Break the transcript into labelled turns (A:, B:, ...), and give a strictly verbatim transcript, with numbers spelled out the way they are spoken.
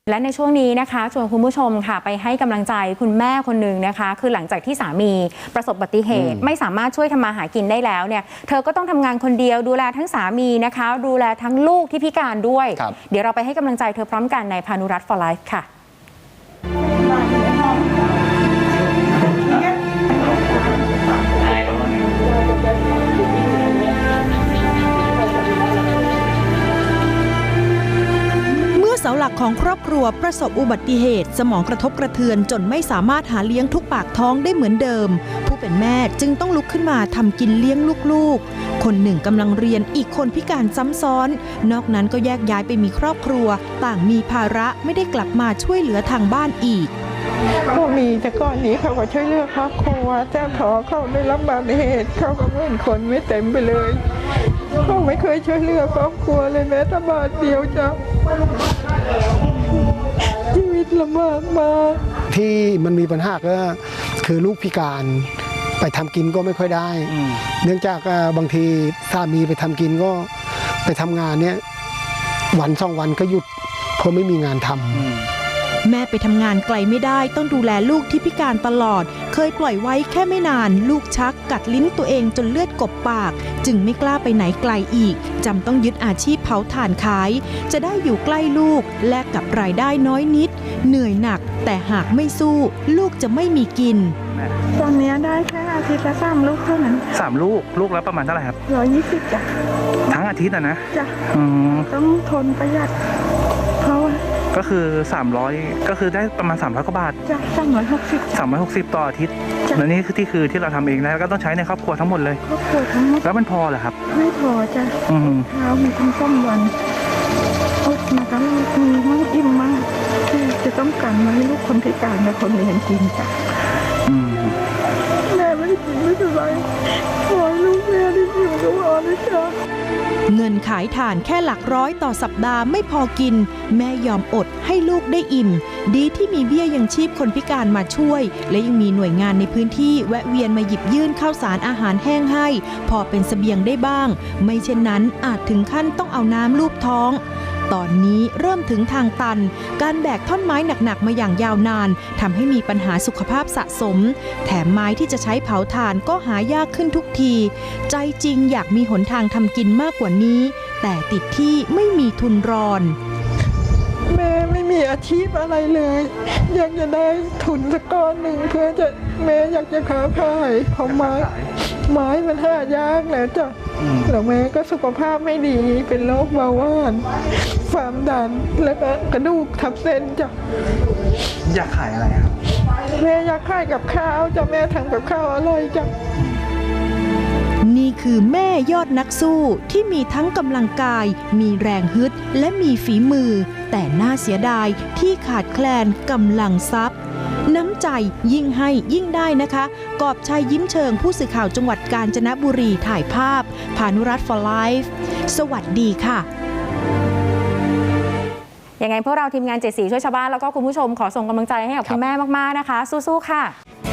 A: และในช่วงนี้นะคะชวนคุณผู้ชมค่ะไปให้กำลังใจคุณแม่คนหนึ่งนะคะคือหลังจากที่สามีประสบอุบัติเหตุไม่สามารถช่วยทำมาหากินได้แล้วเนี่ยเธอก็ต้องทำงานคนเดียวดูแลทั้งสามีนะคะดูแลทั้งลูกที่พิการด้วยเดี๋ยวเราไปให้กำลังใจเธอพร้อมกันในพานุรัตน์ for life ค่ะ
B: เสาหลักของครอบครัวประสบอุบัติเหตุสมองกระทบกระเทือนจนไม่สามารถหาเลี้ยงทุกปากท้องได้เหมือนเดิมผู้เป็นแม่จึงต้องลุกขึ้นมาทำกินเลี้ยงลูกๆคนหนึ่งกำลังเรียนอีกคนพิการซ้ำซ้อนนอกนั้นก็แยกย้ายไปมีครอบครัวต่างมีภาระไม่ได้กลับมาช่วยเหลือทางบ้านอีก
C: ก็มีแต่ก่อนนี้เขาก็ช่วยเหลือครอบครัวแต่พอเขาได้รับอุบัติเหตุเขาก็เหมือนคนไม่เต็มไปเลยเขาไม่เคยช่วยเหลือครอบครัวเลยแม้แต่บาทเดียวจ้ะชีวิตลำบากมาก
D: ที่มันมีปัญหาก็คือลูกพิการไปทำกินก็ไม่ค่อยได้เนื่องจากบางทีสามีไปทำกินก็ไปทำงานเนี้ยวันสองวันก็หยุดเพราะไม่มีงานทำ
B: แม่ไปทำงานไกลไม่ได้ต้องดูแลลูกที่พิการตลอดเคยปล่อยไว้แค่ไม่นานลูกชักกัดลิ้นตัวเองจนเลือดกบปากจึงไม่กล้าไปไหนไกลอีกจำต้องยึดอาชีพเผาถ่านขายจะได้อยู่ใกล้ลูกแลกกับรายได้น้อยนิดเหนื่อยหนักแต่หากไม่สู้ลูกจะไม่มีกิน
C: ตอนนี้ได้แค่อาทิตย์ละสามลูกเท่านั้น
E: สามลูกลูกแล้วประมาณเท่าไหร่ครับ
C: ร้อยยี่สิบจ้ะ
E: ทั้งอาทิตย์อะนะ
C: จ้ะต้องทนประหยัดเพราะว่า
E: ก็คือสามร้อยก็คือได้ประมาณสามร้อยกว่าบาท
C: จ้ะสามร้อยหกสิบ
E: สามร้อยหกสิบต่ออาทิตย์แล้วนี่คือที่คือที่เราทำเองแล้วก็ต้องใช้ในครอบครัวทั้งหมดเลย
C: ครอบครัวทั้งหมด
E: แล้วมันพอเหรอครับ
C: ไม่พอจ้ะเช้ามีทั้งสองวันอดมาทั้งมีมั่งอิ่มมั่งที่จะต้องการมาให้ลูกคนพิการและคนเรียนกินจ้ะแม่ไม่ได้กินไม่เป็นไรขอลูกแม่ได้อยู่ก็พอนะจ๊ะ
B: เงินขายถ่านแค่หลักร้อยต่อสัปดาห์ไม่พอกินแม่ยอมอดให้ลูกได้อิ่มดีที่มีเบี้ยยังชีพคนพิการมาช่วยและยังมีหน่วยงานในพื้นที่แวะเวียนมาหยิบยื่นข้าวสารอาหารแห้งให้พอเป็นเสบียงได้บ้างไม่เช่นนั้นอาจถึงขั้นต้องเอาน้ำลูบท้องตอนนี้เริ่มถึงทางตันการแบกท่อนไม้หนักๆมาอย่างยาวนานทำให้มีปัญหาสุขภาพสะสมแถมไม้ที่จะใช้เผาถ่านก็หายากขึ้นทุกทีใจจริงอยากมีหนทางทำกินมากกว่านี้แต่ติดที่ไม่มีทุนรอน
C: แม่ไม่มีอาชีพอะไรเลยอยากจะได้ทุนสักก้อนหนึ่งเพื่อจะแม่อยากจะค้าขายของไม้ไม้มันหายากแล้วจ้ะแล้วแม่ก็สุขภาพไม่ดีเป็นโรคเบาหวานความดันแล้วก็กระดูกทับเส้นจ้ะ
E: อยากขายอะไรครับ
C: แม่อยากขายกับข้าวจ้ะแม่ทำกับข้าวอร่อยจ้ะ
B: นี่คือแม่ยอดนักสู้ที่มีทั้งกำลังกายมีแรงฮึดและมีฝีมือแต่น่าเสียดายที่ขาดแคลนกำลังทรัพย์น้ำใจยิ่งให้ยิ่งได้นะคะกอบชัยยิ้มเชิงผู้สื่อข่าวจังหวัดกาญจนบุรีถ่ายภาพพานุรัตน์ for life สวัสดีค่ะ
A: ยังไงพวกเราทีมงานเจ็ดสีช่วยชาวบ้านแล้วก็คุณผู้ชมขอส่งกำลังใจให้กับคุณแม่มากๆนะคะสู้ๆค่ะ